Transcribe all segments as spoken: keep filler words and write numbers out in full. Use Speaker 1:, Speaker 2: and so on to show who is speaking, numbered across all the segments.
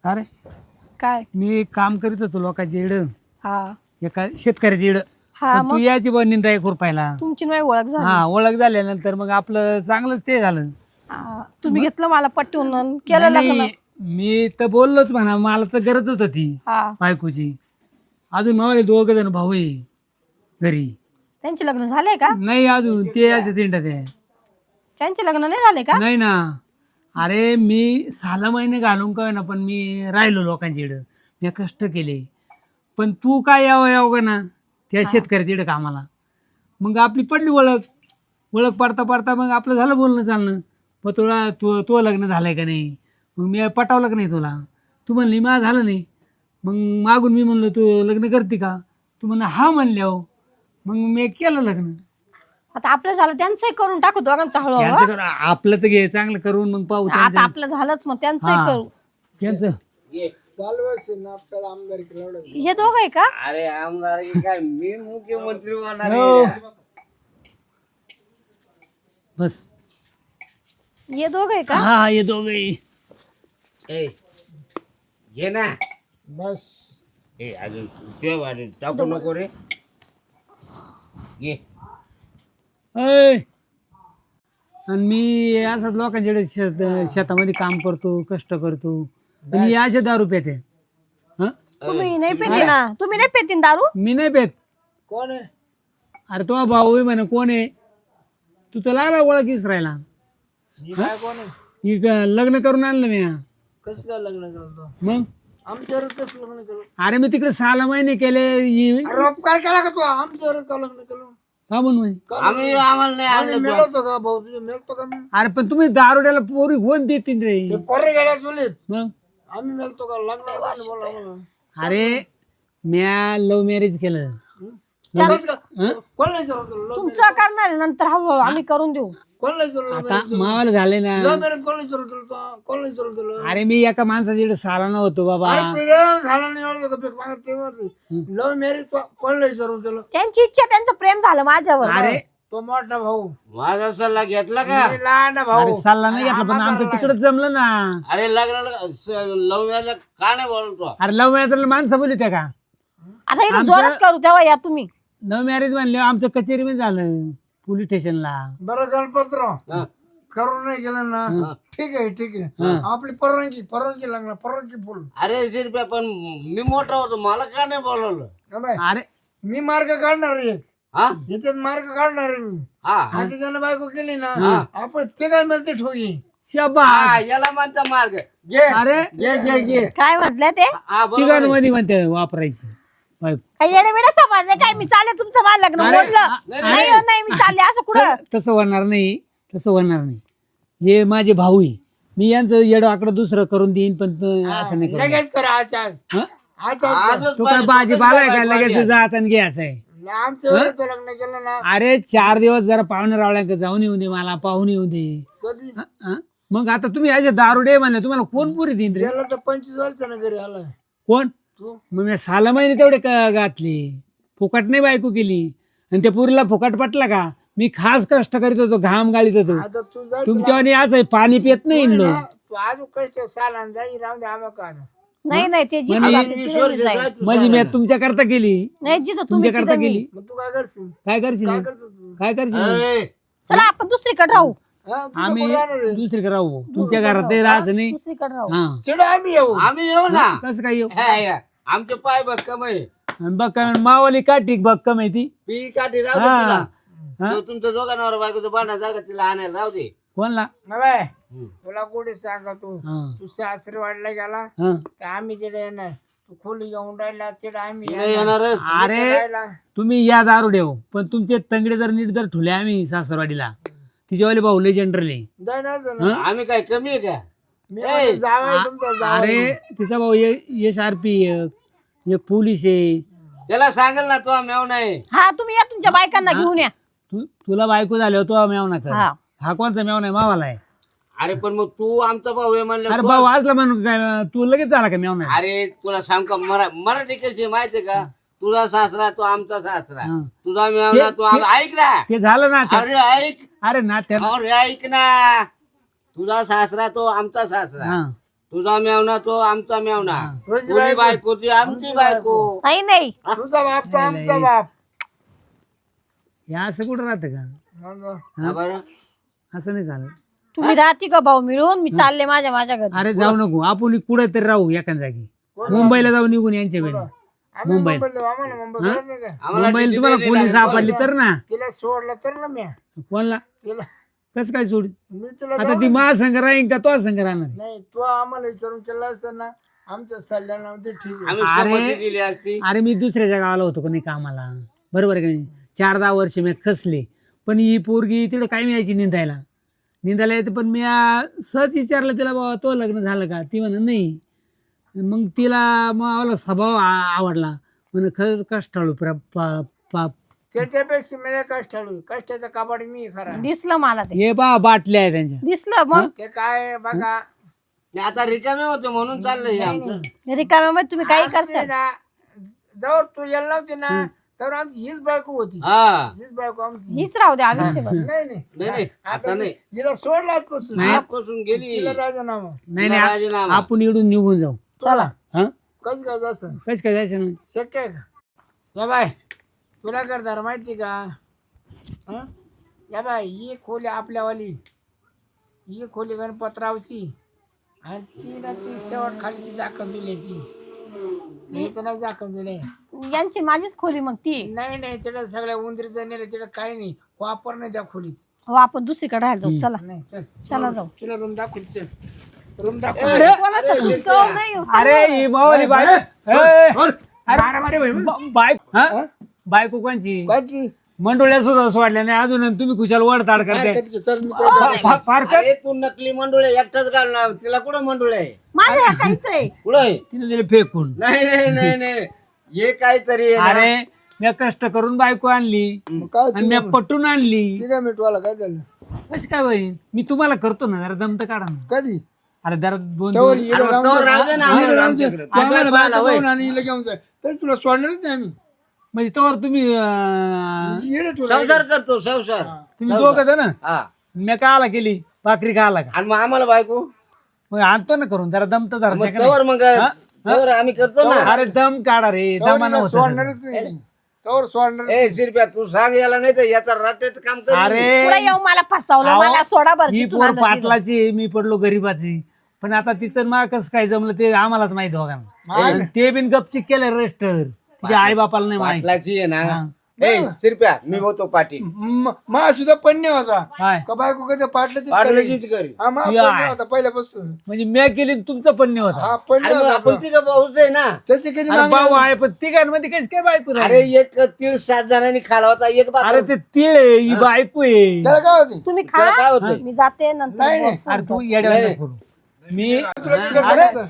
Speaker 1: अरे
Speaker 2: काय
Speaker 1: मी काम करीत होतो लोकांच्या इड
Speaker 2: हा
Speaker 1: एका शेतकऱ्याच्या इड
Speaker 2: हा
Speaker 1: तू
Speaker 2: मग
Speaker 1: याची बा निंदा एक रुपयाला
Speaker 2: तुमची नाही ओळख झाली
Speaker 1: हा ओळख झाल्यानंतर मग आपलं चांगलंच ते झालं.
Speaker 2: हा, तुम्ही घेतलं मला पटवून अन केलं
Speaker 1: नाही,
Speaker 2: लग्न.
Speaker 1: नाही, मी तर बोललोच म्हणा मला तर गरज होत ती
Speaker 2: हा
Speaker 1: बायकोची. अजून मावले दोघ जण भाऊ आहे घरी.
Speaker 2: त्यांचे लग्न झाले का?
Speaker 1: नाही अजून ते असे तिंडत आहे.
Speaker 2: त्यांचे लग्न नाही झाले का?
Speaker 1: नाही ना. अरे मी सहा महिने घालून काय ना पण मी राहिलो लोकांच्या इकडं मी कष्ट केले. पण तू काय यावं यावं का ना त्या शेतकऱ्याच्या इकडं कामाला. मग आपली पडली ओळख. ओळख पडता पडता मग आपलं झालं बोलणं चालणं. मग तुला तू तो लग्न झालंय का नाही. मग मी पटावलं का नाही तुला. तू म्हणली मा झालं नाही. मग मागून मी म्हणलो तू लग्न करते का. तू म्हणलं हा म्हणले हो. मग मी केलं लग्न.
Speaker 2: आता आपलं झालं त्यांचंही करून टाकू दोघांचं हळूहळू.
Speaker 1: त्यांचं करू आपलं तर घे चांगलं करून मग पाहू
Speaker 2: आता
Speaker 1: त्यांचं
Speaker 2: आपलं झालंच मग त्यांचंही
Speaker 1: हा.
Speaker 2: करू.
Speaker 1: त्यांचं
Speaker 2: हे दोघं आहे का?
Speaker 3: अरे आमदार की काय मी मुख्यमंत्री होणार आहे.
Speaker 1: हो. बस
Speaker 2: हे दोघं आहे का?
Speaker 1: हा हे दोघे
Speaker 3: ए, घे ना
Speaker 1: बस.
Speaker 3: ए अजून ठेव आणि टाकू नको रे घे.
Speaker 1: ऐ. आणि मी असंच लोकांच्याकडे शेत शेतामध्ये काम करतो कष्ट करतो आणि असे दारू पेते. हं?
Speaker 2: तुम्ही नाही पेते ना. तुम्ही नाही पेतीन दारू.
Speaker 1: मी नाही पेत.
Speaker 4: कोण आहे?
Speaker 1: अरे तो भाऊ आहे म्हणे कोण आहे तू तर लागला ओळख इसरायला.
Speaker 4: ही काय कोण आहे?
Speaker 1: ही क- लग्न करून आणलं मी.
Speaker 4: कसं काय लग्न करतो?
Speaker 1: मग
Speaker 4: आमच्यावर कसं लग्न करू?
Speaker 1: अरे मी तिकडे सहा महिने केले ही-
Speaker 4: अरे बाप, काय केला का तू आमच्यावर का लग्न केलं?
Speaker 1: का म्हणून म्हणे?
Speaker 4: का
Speaker 3: आम्ही आम्हाला नाही
Speaker 4: आम्ही
Speaker 3: आणलं
Speaker 4: मिळवतो का भाऊ तुझे मिळतो का मी?
Speaker 1: अरे पण तुम्ही दारुड्याला पोरी कोण देतील रे.
Speaker 4: ते पोरे गेल्या चुलीत
Speaker 1: मग
Speaker 4: आम्ही मिळतो का लग्न बोला आम्हाला.
Speaker 1: अरे म्या लव्ह मॅरेज केलं.
Speaker 4: कसं काय? कोण नाही विचारलं तुला?
Speaker 2: तुमचं करणार आहे नंतर हळूहळू आम्ही करून देऊ.
Speaker 4: कोण नाही विचारलं?
Speaker 1: आता मावाला झाले ना.
Speaker 4: लव्ह मॅरेज कोण नाही विचारलं तुला? कोण नाही विचारलं तुला?
Speaker 1: अरे मी एका माणसाच्या इकडे साला नव्हतो बाबा.
Speaker 4: अरे तुझं झालं नाही एवढं का पीक मागं तेव्हा ते. लव्ह मॅरेज कोण नाही विचारलं तुला?
Speaker 2: त्यांची इच्छा त्यांचं प्रेम झालं माझ्यावर.
Speaker 1: अरे
Speaker 4: तो मोठा भाऊ
Speaker 3: माझा सल्ला घेतला का
Speaker 4: मी लहान भाऊ.
Speaker 1: अरे सल्ला नाही घेतला पण आमचं तिकडच जमलं ना.
Speaker 3: अरे लग्नाला लव मॅरेज का नाही बोलतो.
Speaker 1: अरे लव्ह मॅरेज माणसं बोलू त्या का.
Speaker 2: आता इथं जोरात करू तेव्हा या तुम्ही.
Speaker 1: लव्ह मॅरेज म्हणले आमचं कचेरीमध्ये झालं पोलीस स्टेशनला.
Speaker 4: बरं गणपतराव करून नाही गेलं ना ठीक आहे ठीक आहे आपली परवानगी परवानगी लागणार परवानगी फुल.
Speaker 3: अरे शिरप्या पण मी मोठा होतो मला का नाही बोलवलं.
Speaker 4: अबे,
Speaker 1: अरे
Speaker 4: मी मार्ग काढणार आहे
Speaker 3: हा
Speaker 4: याच्यात मार्ग काढणार आहे मी.
Speaker 3: हा
Speaker 4: आता त्यानं बायको केली ना आपण ते काय मिळते ठोगी.
Speaker 1: शबा.
Speaker 3: हा, याला म्हणता मार्ग घे
Speaker 1: अरे
Speaker 3: घे घे घे
Speaker 2: काय म्हटलं ते?
Speaker 3: हा बरोबर आहे.
Speaker 1: तिघांमध्ये म्हणते वापरायची बायको.
Speaker 2: काही येणे बिणे समजले काय? मी चालले तुमचं मला लग्न
Speaker 1: अरे,
Speaker 2: मोडलं.
Speaker 1: अरे.
Speaker 2: नाही हो, नाही मी चालले असं कुठं.
Speaker 1: तसं होणार नाही तसं होणार नाही. हे माझे भाऊ आहे मी यांचं येडं आकडं दुसरं करून देईन पण तो असं नाही करू.
Speaker 4: लगेच करा आचार
Speaker 1: हं?
Speaker 4: आचार
Speaker 3: आजच
Speaker 1: तो काय
Speaker 3: पाहिजे,
Speaker 1: भाजीपाला आहे
Speaker 3: तो
Speaker 1: का
Speaker 3: काय
Speaker 1: लगेच
Speaker 3: पाहिजे.
Speaker 1: जात आणि घ्यायचं आहे.
Speaker 4: आमचं वेळेत तो लग्न केलं ना
Speaker 1: अरे चार दिवस जरा पाहुणे रावळ्या जाऊन येऊ दे मला पाहून येऊ दे.
Speaker 4: कधी
Speaker 1: हं? हं? मग आता तुम्ही असे दारुडे म्हणले तुम्हाला कोण पुरी देईन रे.
Speaker 4: गेला तर पंचवीस वर्षानं घरी आलाय
Speaker 1: कोण
Speaker 4: तू.
Speaker 1: मग मी सहा महिने तेवढे क- घातले फुकट नाही बायको केली आणि त्या पुरीला फुकट पटला का. मी खास कष्ट करीत होतो घाम गाळीत होतो.
Speaker 4: आता तू जाय
Speaker 1: तुमच्यावानी आज आहे पाणी पित नाही
Speaker 4: तुला-
Speaker 1: लो.
Speaker 4: तू अजून कष्ट साला जाई राहून दे आम्हा का
Speaker 2: नाही नाही ते जिथं
Speaker 1: म्हणे-
Speaker 2: जाते तिथे मी जाईन.
Speaker 1: माझी मी तुमच्या करता केली
Speaker 2: नाही जिथं तुम्ही
Speaker 1: तुमच्या करता
Speaker 2: तिथं मी.
Speaker 1: केली.
Speaker 4: मग तू काय करशील
Speaker 1: काय करशील
Speaker 4: काय करतो तू
Speaker 1: काय करशील
Speaker 3: ए,
Speaker 2: चला आपण दुसरीकडे राहू.
Speaker 4: हा, तुझं
Speaker 1: आम्ही
Speaker 4: कोण राहणार आहे?
Speaker 1: दुसरीकडे राहू तुमच्या घरात ते राहायचं नाही.
Speaker 2: दुसरीकडे राहू.
Speaker 1: हा
Speaker 4: चिड आम्ही येऊ
Speaker 3: आम्ही येऊ ना.
Speaker 1: कसं काय येऊ.
Speaker 3: हे, हे, आमचे पाय बघ कमाई
Speaker 1: आणि बघ काय मावाली का ठीक बघ का माहिती.
Speaker 3: पी काठी राहू दे
Speaker 1: हा.
Speaker 3: तुला.
Speaker 1: हा?
Speaker 3: तो तुमच्या दोघांवर बायकोचं भांडण सारखं तिला आणायला राहू दे.
Speaker 1: कोणला.
Speaker 4: नव्हे, तुला कुठे सांगा तू
Speaker 1: हा
Speaker 4: तू सासरी वाढला गेला
Speaker 1: हा.
Speaker 4: तर आम्ही तिथे येणार तू खोली घेऊन राहिला तिथे आम्ही
Speaker 3: नाही
Speaker 4: येणार.
Speaker 3: येणारच.
Speaker 1: अरे
Speaker 4: राहिला.
Speaker 1: तुम्ही या दारू देव पण तुमचे तंगडे जर नीट जर ठुले आम्ही सासरवाडीला तिच्यावाले भाऊ लेजेंडरले.
Speaker 4: जाय ना जा ना.
Speaker 3: आम्ही काय कमी आहे का.
Speaker 4: मी म्हणतो जावई तुमचा जावई.
Speaker 1: अरे तिचा भाऊ यश आर पी एक एक पोलीस आहे.
Speaker 3: त्याला सांगेल ना तो मेव नाही.
Speaker 2: हा तुम्ही या तुमच्या बायकांना घेऊन या.
Speaker 1: तू तुला बायको झाल्यावर तो मेवना कर.
Speaker 2: हा.
Speaker 1: हा कोणचा मेवना आहे मावाला आहे.
Speaker 3: अरे पण मग तू आमचा भाऊ आहे म्हणलं
Speaker 1: अरे
Speaker 3: तो-
Speaker 1: भाऊ आजला म्हणून काय तू लगेच झाला का मेवना.
Speaker 3: अरे तुला सांग का मरा मराठी कशी माहितीये का. तुझा सासरा तो आमचा सासरा
Speaker 1: हा.
Speaker 3: तुझा मेवना तो आम- ऐक ना.
Speaker 1: ते झालं ना ते-
Speaker 3: अरे ऐक
Speaker 1: अरे ना त्या
Speaker 3: अरे ऐक ना. तुझा सासरा तो आमचा सासरा
Speaker 1: हा
Speaker 3: तुझा मेवना तो आमचा मेवना,
Speaker 4: तुझी
Speaker 3: तुझी
Speaker 4: बायको.
Speaker 3: बायको ती आमची बायको.
Speaker 2: नाही नाही
Speaker 4: तुझा बाप तो आमचा बाप.
Speaker 1: हे असं कुठं राहतं का?
Speaker 4: मग
Speaker 3: हा बरं.
Speaker 1: असं नाही चालत.
Speaker 2: तुम्ही राहते का भाऊ मिळून मी चालले माझ्या माझ्या घरी.
Speaker 1: अरे जाऊ नको, आपण कुठे तरी राहू एका जागी. मुंबईला जाऊ निघून यांच्या वेळी.
Speaker 4: आम्ही
Speaker 1: मुंबईला.
Speaker 4: मुंबईला आम्हाला मुंबई कळत नाही का?
Speaker 3: आम्हाला
Speaker 1: मुंबईला
Speaker 3: किती
Speaker 1: तुम्हाला
Speaker 3: तरी
Speaker 1: कोणी
Speaker 3: लागलं.
Speaker 1: सापडली तर ना.
Speaker 4: तिला सोडलं तर ना मी
Speaker 1: कोणला
Speaker 4: तिला
Speaker 1: कसं काय सोड?
Speaker 4: मी तिला
Speaker 1: आता
Speaker 4: जाऊ-
Speaker 1: ती महासंघ राहील का तो संघ राहणार?
Speaker 4: नाही तू आम्हाला विचारून केला असता ना आमच्या सल्ल्यानं ते ठीक आहे.
Speaker 3: आम्ही
Speaker 1: अरे.
Speaker 3: संमती दिली असती.
Speaker 1: अरे मी दुसऱ्याच्या गावाला होतो का नाही कामाला, बरोबर आहे का नाही? चार दहा वर्ष मी खसले, पण ही पोरगी तिकडे काय मिळायची निंदायला निंदायला येते. पण मी आ, सहज विचारलं तिला, बाबा तो लग्न झालं का? ती म्हणा नाही. मग तिला मला स्वभाव आ- आवडला. म्हणे खरंच कष्टाळू प्र- पा- पा-
Speaker 4: त्याच्यापेक्षा मला कष्टाळू कष्टाचा काबाड मी खरा.
Speaker 2: दिसलं मला ते
Speaker 1: हे बा बाटल्या आहे त्यांच्या.
Speaker 2: दिसलं मग
Speaker 4: ते काय बघा
Speaker 3: नाही, आता रिकामे होते म्हणून चाललंय हे आमचं.
Speaker 2: रिकाम्यामध्ये तुम्ही काही
Speaker 4: आमची
Speaker 2: करशाल.
Speaker 4: ना जवळ तू यायला नव्हती ना तर आमची हीच बायको होती.
Speaker 3: हा
Speaker 4: हीच बायको आमची.
Speaker 2: हीच राहू दे आयुष्यभर.
Speaker 4: नाही नाही
Speaker 3: नाही नाही आता नाही.
Speaker 4: हिला सोडला आजपासून
Speaker 3: आजपासून गेली.
Speaker 4: तिला राजीनामा.
Speaker 1: नाही
Speaker 3: तिला
Speaker 1: नाही
Speaker 3: राजीनामा.
Speaker 1: आपण इकडून निघून जाऊ.
Speaker 2: चला
Speaker 1: हा
Speaker 4: कसं काय जायचं
Speaker 1: कस काय जायचं ना?
Speaker 4: शक्य आहे का? या बाय तुला करणार माहिती का? हं? या बाय ही खोली आपल्यावाली, ही खोली गणपतरावची आणि ती ना ती शेवट खाली ती जाकण जुल्याची. हिचं नाव जाकण जुले.
Speaker 2: यांची माझीच खोली मग ती.
Speaker 4: नाही नाही तिला सगळ्या उंदरीचं नेलं तिला काही नाही वापर नाही त्या खोलीत.
Speaker 2: हो आपण दुसरीकडे राहायला जाऊ. चला
Speaker 4: नाही चल
Speaker 2: चला जाऊ.
Speaker 4: तुला रूम दाखवली चल रूम दाखव.
Speaker 2: जाऊ नाही येऊ.
Speaker 1: अरे ही मावली बायको. ए,
Speaker 4: मारामारी होईल.
Speaker 1: बा- बायको हा? बायको कोणची?
Speaker 4: काची?
Speaker 1: मंडोळ्या सुद्धा सोडल्या नाही अजून, आणि तुम्ही खुशाल वडताड करते.
Speaker 4: कधी की चल मी तुला
Speaker 1: फा- फा- फार कर.
Speaker 3: अरे तू नकली मंडुळे एकटाच घालणार, तिला कुठं मंडुळे आहे?
Speaker 2: माझ्या ह्या काहीच आहे.
Speaker 3: कुठं आहे?
Speaker 1: तिने दिले फेकून.
Speaker 3: नाही नाही नाही नाही हे काहीतरी आहे ना.
Speaker 1: अरे मी कष्ट करून बायको आणली
Speaker 4: मग काय
Speaker 1: आणि मी पटून आणली.
Speaker 4: तिला मिटवाला काय झालं
Speaker 1: कशी काय बहीण? मी तुम्हाला करतो ना, जरा दमत काढा ना.
Speaker 4: कधी
Speaker 1: अरे जरा दोन
Speaker 4: तोवर
Speaker 1: दिवस-
Speaker 4: हिरो
Speaker 3: अरे
Speaker 4: राहून
Speaker 3: तोवर
Speaker 4: दे.
Speaker 3: राहू दे ना,
Speaker 4: हिरो
Speaker 3: आम्हाला
Speaker 4: राहून दे.
Speaker 3: आमच्याकडे.
Speaker 4: तो आम्हाला
Speaker 3: आम्हाला
Speaker 4: बाहेर
Speaker 3: पाहायला
Speaker 4: जाऊन आणि हिला घेऊन जाय तर तुला सोडणारच नाही आम्ही.
Speaker 1: म्हणजे तोवर तुम्ही अं,
Speaker 4: हिरो तुला
Speaker 3: संसार करतो संसार.
Speaker 1: तुम्ही दोघं जण
Speaker 3: हा
Speaker 1: मी काला केली भाकरी खाला का?
Speaker 3: आणि मग आम्हाला बायको
Speaker 1: मग आणतो ना करून, जरा दमत जरा
Speaker 3: मग
Speaker 1: सेकंद.
Speaker 3: तवर मग तवर आम्ही करतो ना.
Speaker 1: अरे दम काढा रे,
Speaker 4: तोवर
Speaker 1: दमानं
Speaker 4: हिला
Speaker 1: होतं सगळं.
Speaker 4: सोडणारच नाही तोवर सोडणार.
Speaker 3: ए शिरप्या तू सांग याला, नाही तर याचा रट्यात काम कर.
Speaker 1: अरे
Speaker 2: पुढे येऊन मला फसवलं.
Speaker 1: अहो,
Speaker 2: मला सोडा बरं
Speaker 1: ही
Speaker 2: तिथून
Speaker 1: पोर
Speaker 2: आणलं
Speaker 1: पाटलाची, मी पडलो गरीबाची. पण आता तिचं मा कसं काय जमलं ते आम्हालाच माहित दोघांना. आणि ते बिन गपचिक केलं रजिस्टर, तिच्या आई बापाला नाही माहित.
Speaker 3: पाटलाची आहे ना.
Speaker 1: हा.
Speaker 3: ए शिरप्या मी होतो पाटील.
Speaker 4: म- मा सुद्धा पण्य होता
Speaker 1: काय
Speaker 4: का बायको कसं पाटलं
Speaker 3: पाटलाचीच करी.
Speaker 4: हा मा
Speaker 1: या.
Speaker 4: पण्य होता पहिल्यापासून.
Speaker 1: म्हणजे मी केली आणि तुमचं पण नाही होता.
Speaker 4: हा पण्य
Speaker 3: अरे मग
Speaker 4: होता
Speaker 3: आपण तिघं भाऊच आहे ना.
Speaker 4: तसे कधी
Speaker 1: अरे
Speaker 4: मागणी
Speaker 1: भाऊ
Speaker 4: आली?
Speaker 1: आहे पण तिघांमध्ये कशी काय बायको
Speaker 3: अरे
Speaker 1: राहिली?
Speaker 3: एक तीळ सात जणांनी खाला होता एक बाप.
Speaker 1: अरे ते तिळ आहे, ही बायको आहे.
Speaker 4: त्याला काय होते
Speaker 2: तुम्ही
Speaker 3: त्याला काय
Speaker 2: खा
Speaker 3: होतंय?
Speaker 2: मी जाते नंतर
Speaker 4: नाही, नाही.
Speaker 2: बोल.
Speaker 1: अरे तू येड्या नको करू. मी
Speaker 4: तुला बिघडलं
Speaker 1: अरे
Speaker 4: का?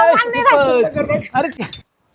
Speaker 1: अरे शिकत. अरे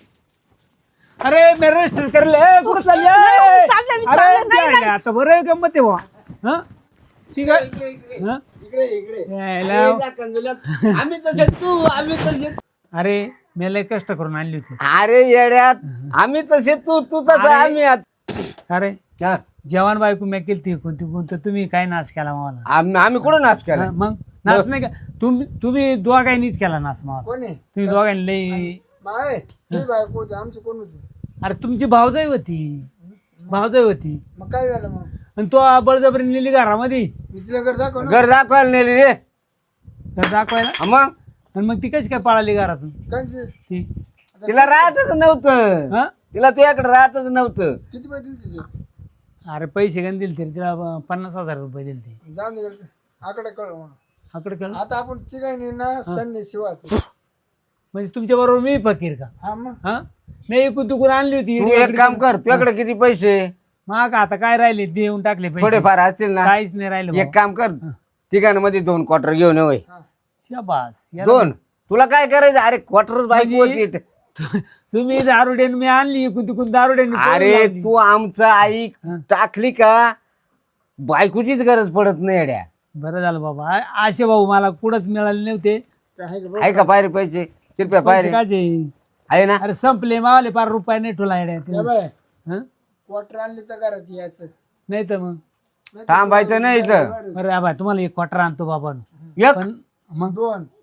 Speaker 1: अरे मी रजिस्टर करले कुठं चालली आहे?
Speaker 2: चाललंय, मी
Speaker 1: अरे
Speaker 2: चाललंय, नाही,
Speaker 1: काय नाही, आता बरं आहे गंमत आहे बुवा. हं? ठीक आहे हं?
Speaker 3: इकडे इकडे
Speaker 1: यायला.
Speaker 3: अरे जा कंजुल्यात. आम्ही तसे तू आम्ही तसे.
Speaker 1: अरे मी लय कष्ट करून आणली होती.
Speaker 3: अरे येड्यात आम्ही तसे तू तू तसं
Speaker 1: अरे.
Speaker 3: आम्ही आत-
Speaker 1: अरे
Speaker 3: हा.
Speaker 1: जवान बायको मी केली ती कोणती कोणतं तुम्ही काय नाश केला मला?
Speaker 3: आम्ही आम्ही कुठं नाच केला?
Speaker 1: हं, मग नाच नाही का तुम्ही तुम्ही दोघांनीच केला नाश मला.
Speaker 4: कोणी
Speaker 1: तुम्ही दोघांनी लई.
Speaker 4: माय ही बायको होती आमची कोण होती?
Speaker 1: अरे तुमची भावजाई होती, भावजाई होती,
Speaker 4: मग काय झालं मग?
Speaker 1: आणि तो बळजबरी नेली घरामध्ये
Speaker 4: मी तिला घर दाखव ना.
Speaker 3: घर दाखवायला नेली रे.
Speaker 1: घर दाखवायला.
Speaker 3: हा मग
Speaker 1: आणि मग ती कशी काय पळाली घरातून
Speaker 4: कांची?
Speaker 1: ती?
Speaker 3: तिला राहतच नव्हतं.
Speaker 1: हं?
Speaker 3: तिला तुझ्याकडे राहतच नव्हतं.
Speaker 4: किती पैसे दिले तिथे?
Speaker 1: अरे पैसे गण दिले तरी तिला प- पन्नास हजार रुपये दिले ते.
Speaker 4: जाऊन दे घरचं. आकडे कळ म्हणून.
Speaker 1: आकडे कळ.
Speaker 4: आता आपण तिघांनी ना सन्नी शिवाच.
Speaker 1: म्हणजे तुमच्या बरोबर मी फकीर का?
Speaker 4: हा मग
Speaker 1: हा मी इकून तिकून आणली होती.
Speaker 3: तू एक काम कर, तुझ्याकडे किती पैसे
Speaker 1: मग आता काय राहिले देऊन टाकले पैसे.
Speaker 3: थोडेफार असतील ना.
Speaker 1: काहीच नाही राहिले
Speaker 3: एक काम कर, तिघांमध्ये दोन क्वार्टर घेऊन ये होय.
Speaker 1: शाबास याला-
Speaker 3: दोन तुला काय करायचं? अरे क्वार्टरच बायको
Speaker 1: म्हणजे-
Speaker 3: होती.
Speaker 1: तु- तुम्ही दारुड्यान मी आणली इकून तिकून दारुड्यान
Speaker 3: अरे तू आमचं ऐक, टाकली का बायकोचीच गरज पडत नाही येड्या.
Speaker 1: बरं झालं बाबा. आ- असे भाऊ मला कुठंच मिळाले नव्हते.
Speaker 4: काय आहे का बघ?
Speaker 3: आहे का पायरे पैसे? कृपया
Speaker 1: पैसे
Speaker 3: पायरे
Speaker 1: काचे
Speaker 3: आहे ना.
Speaker 1: अरे संपले मावाले पार रुपये नाही ठेवला येड्या
Speaker 4: या
Speaker 1: तिने.
Speaker 4: बाय
Speaker 1: हं?
Speaker 4: क्वार्टर आणली तर घरात यायचं.
Speaker 1: नाही तर मग
Speaker 3: थांबायचं नाही इथं.
Speaker 1: अरे आबा तुम्हाला एक क्वार्टर आणतो बाबा.
Speaker 3: एक
Speaker 1: पण मग
Speaker 4: दोन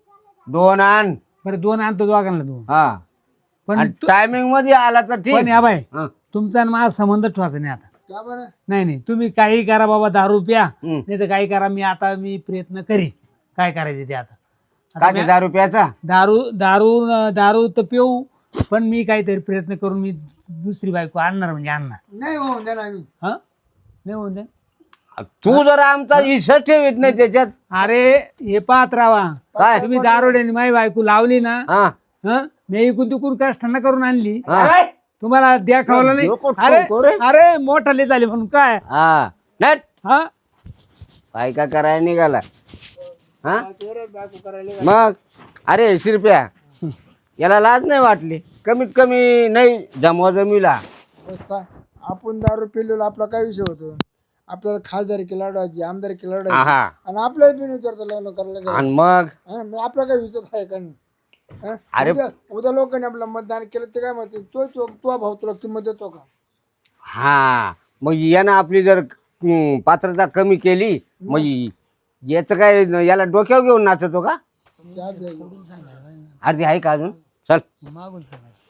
Speaker 3: दोन आण
Speaker 1: बरं दोन आणतो दोघांना दोन
Speaker 3: हा
Speaker 1: पण तू-
Speaker 3: टायमिंग मध्ये आला तर
Speaker 1: पण
Speaker 3: ठीक
Speaker 1: या बाय
Speaker 3: हा.
Speaker 1: तुमचा आणि माझा संबंध ठेवायचा नाही आता.
Speaker 4: का बरं
Speaker 1: नाही नाही तुम्ही काही करा बाबा दारू प्या
Speaker 3: हम्म.
Speaker 1: नाही तर काही करा. मी आता मी प्रयत्न करी काय करायचे ते आता. आता
Speaker 3: काय
Speaker 1: मी-
Speaker 3: ते दारू प्याचा
Speaker 1: दारू दारू दारू तर पिऊ पण मी काहीतरी प्रयत्न करून मी दुसरी बायको आणणार म्हणजे आणणार.
Speaker 4: नाही होऊन द्या ना आम्ही
Speaker 1: हा नाही होऊन दे.
Speaker 3: तू जरा आमचा हिस्सा ठेवीत नाही त्याच्यात
Speaker 1: अरे हे पाहत राहा
Speaker 3: काय
Speaker 1: तुम्ही दारोड्याने माझी बायको लावली ना
Speaker 3: हा
Speaker 1: हा मी इकून तिकून कष्टांना करून आणली
Speaker 3: हा
Speaker 1: तुम्हाला द्या खावला नाही.
Speaker 3: डोकं
Speaker 1: अरे
Speaker 3: ठोको रे.
Speaker 1: अरे मोठाले झाले म्हणून काय
Speaker 3: हा नट
Speaker 1: हा
Speaker 3: काय का करायला निघाला हा
Speaker 4: तेवढंच बायको करायला
Speaker 3: मग अरे शिरप्या याला लाज नाही वाटली कमीत कमी नाही जमवा जमीला
Speaker 4: सा- आपण दारू पिलेलो आपला काय विषय होतो आपल्याला खासदारकी लढवायची आमदारकी लढवायची
Speaker 3: हा
Speaker 4: आणि आपल्याला बिन विचारता लग्न करायला गेलं.
Speaker 3: आणि मग
Speaker 4: हा, मग आपला काय विचार आहे का नाही हा?
Speaker 3: अरे-
Speaker 4: उद्या उद्या लोकांनी आपलं मतदान केलं ते काय म्हणते तो तो तो भाऊ तुला किंमत देतो का
Speaker 3: हा मग यानं आपली जर हम्म, पात्रता कमी केली मग याचं काय याला डोक्यावर घेऊन नाचतो का
Speaker 4: त्या-
Speaker 3: अर्धी आहे का अजून चल
Speaker 1: मागून सांगा